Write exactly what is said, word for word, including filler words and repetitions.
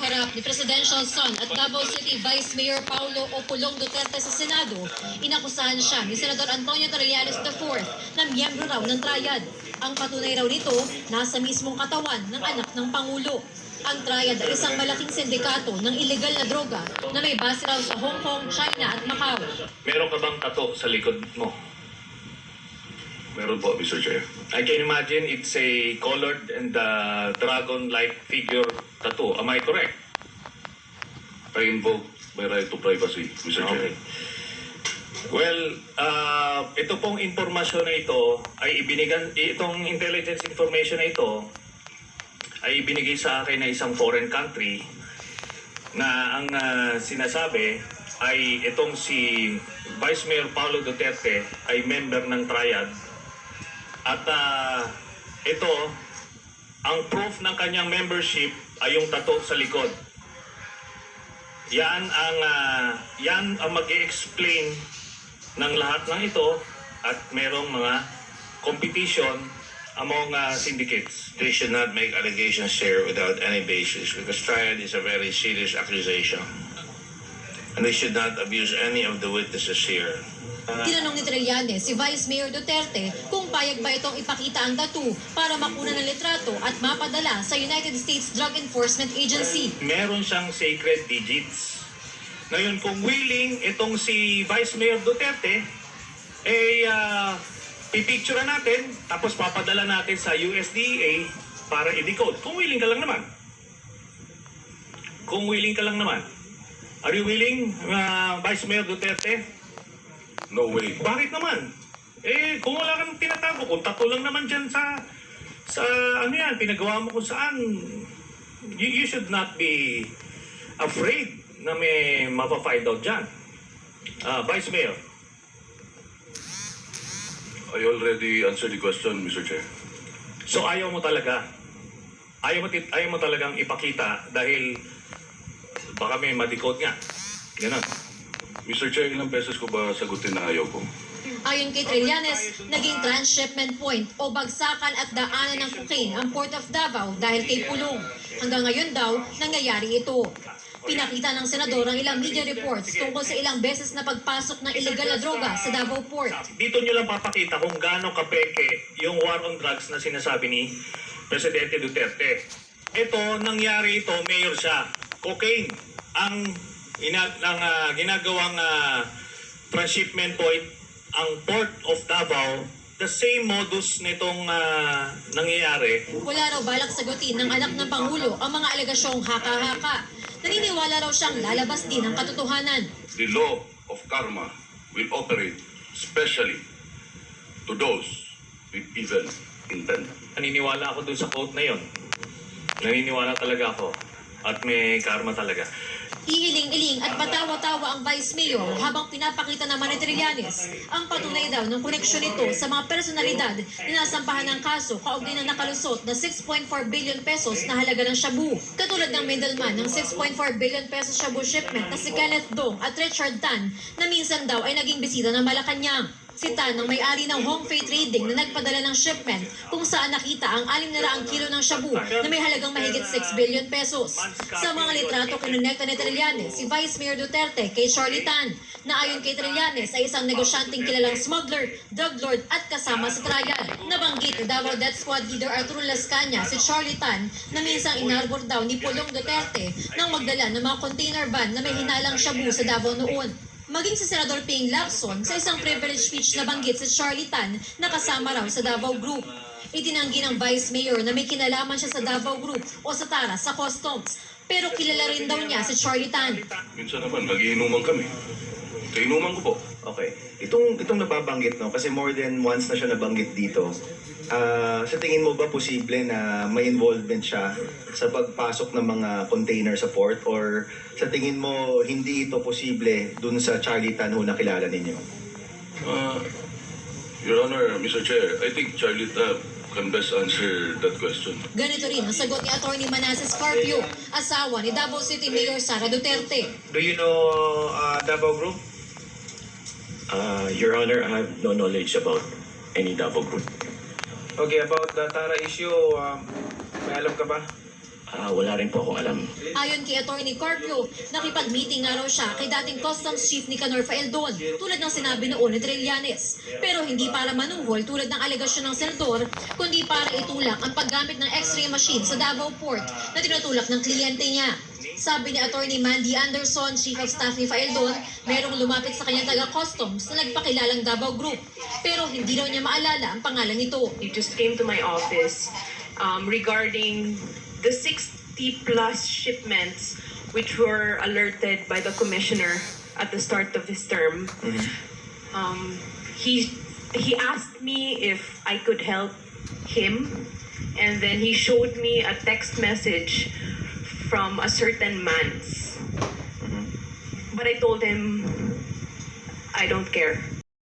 harap ni Presidential Son at Davao City Vice Mayor Paulo Opolong Duterte sa Senado, inakusahan siya ni Senador Antonio Trillanes the fourth na miyembro raw ng Triad. Ang patunay raw nito, nasa mismong katawan ng anak ng Pangulo. Ang Triad ay isang malaking sindikato ng illegal na droga na may base raw sa Hong Kong, China at Macau. Meron ka bang tato sa likod mo? Meron po, Mister Chair. I can imagine it's a colored and uh, dragon-like figure tattoo. Am I correct? I invoke my right to privacy, Mister Okay. Chair. Well, uh, ito pong informasyon na ito ay ibinigan, itong intelligence information na ito ay ibinigay sa akin na isang foreign country na ang uh, sinasabi ay itong si Vice Mayor Paulo Duterte ay member ng Triad. At uh, ito, ang proof ng kanyang membership ay yung tattoo sa likod. Yan ang, uh, yan ang mag-i-explain ng lahat ng ito at merong mga competition among uh, syndicates. They should not make allegations here without any basis because Triad is a very serious accusation. And they should not abuse any of the witnesses here. Tinanong ni Trillanes si Vice Mayor Duterte kung payag ba itong ipakita ang tattoo para makuna ng litrato at mapadala sa United States Drug Enforcement Agency. Meron siyang sacred digits. Ngayon, kung willing itong si Vice Mayor Duterte, eh, uh, pipicture natin, tapos papadala natin sa U S D A para i-decode. Kung willing ka lang naman. Kung willing ka lang naman. Are you willing, uh, Vice Mayor Duterte? No way. Bakit naman? Eh, kung wala kang tinatago, kung tato lang naman dyan sa, sa ano yan, pinagawa mo kung saan, you, you should not be afraid na may mapafind out dyan. Uh, Vice Mayor. I already answered the question, Mister Chair. So ayaw mo talaga, ayaw mo, tit- ayaw mo talagang ipakita dahil baka may madikot nga. Ganon. Mister Chair, ilang beses ko ba sagutin na ayaw ko? Ayon kay Trillanes, naging transshipment point o bagsakan at daanan ng cocaine ang Port of Davao dahil kay Pulong. Hanggang ngayon daw, nangyayari ito. Pinakita ng senador ang ilang media reports tungkol sa ilang beses na pagpasok ng illegal na droga sa Davao Port. Dito nyo lang papakita kung gaano kapeke yung war on drugs na sinasabi ni Presidente Duterte. Ito, nangyari ito, mayor siya. Cocaine ang ina, ang, uh, ginagawang uh, transshipment point, ang Port of Davao, the same modus nitong uh, nangyayari. Wala raw balak sagutin ng anak ng Pangulo ang mga alegasyong haka-haka. Naniniwala raw siyang lalabas din ang katotohanan. The law of karma will operate especially to those with evil intent. Naniniwala ako dun sa quote na yon. Naniniwala talaga ako. At may karma talaga. Iiling-iling at patawa-tawa ang Vice Mayor habang pinapakita naman ni Trillanes ang patunay daw ng koneksyon nito sa mga personalidad na nasampahan ng kaso kaugnay na nakalusot na six point four billion pesos na halaga ng shabu. Katulad ng middleman ng six point four billion pesos shabu shipment na si Kenneth Dong at Richard Tan na minsan daw ay naging bisita ng Malacanang. Si Tan ang may-ari ng Hong Fei Trading na nagpadala ng shipment kung saan nakita ang six na raang kilo ng shabu na may halagang mahigit six billion pesos. Sa mga litrato kinonekta ni Trillanes, si Vice Mayor Duterte kay Charlie Tan, na ayon kay Trillanes ay isang negosyanteng kilalang smuggler, drug lord at kasama sa trial. Nabanggit ni Davao Death Squad leader Arturo Lascanya si Charlie Tan na minsang inarbor daw ni Pulong Duterte nang magdala ng mga container van na may hinalang shabu sa Davao noon. Maging si Senador Ping Lacson sa isang privilege speech na banggit si Charlie Tan na kasama raw sa Davao Group. Itinanggi ng Vice Mayor na may kinalaman siya sa Davao Group o sa Tara sa Customs. Pero kilala rin daw niya si Charlie Tan. Minsan naman, nagiinuman kami. Kainuman ko po. Okay. Itong, itong nababanggit, no? Kasi more than once na siya nabanggit dito. Ah, sa tingin mo ba posible na may involvement siya sa pagpasok ng mga container sa port? Or sa tingin mo hindi ito posible dun sa Charlie Tan ho na kilala ninyo? Uh, Your Honor, Mister Chair, I think Charlie uh, can best answer that question. Ganito rin ang sagot ni Attorney Manasseh Scarpio, asawa ni Davao City Mayor Sara Duterte. Do you know uh, Davao Group? Uh, Your Honor, I have no knowledge about any Davao Group. Okay, about the Tara issue, um, may alam ka ba? ah, wala rin po akong alam. Ayon kay Attorney Carpio, nakipag-meeting nga raw siya kay dating Customs Chief Nicanor Faeldon, tulad ng sinabi noon ni Trillanes. Pero hindi para manuhol tulad ng alegasyon ng senador, kundi para itulak ang paggamit ng X-ray machine sa Davao Port na tinutulak ng kliyente niya. Sabi ni Attorney Mandy Anderson, Chief of Staff ni Faeldon, merong lumapit sa kanyang taga-customs na nagpakilalang Davao Group. Pero hindi raw niya maalala ang pangalan nito. He just came to my office um, regarding the sixty plus shipments which were alerted by the commissioner at the start of his term. Um, he he asked me if I could help him, and then he showed me a text message from a certain Mans. But I told him I don't care.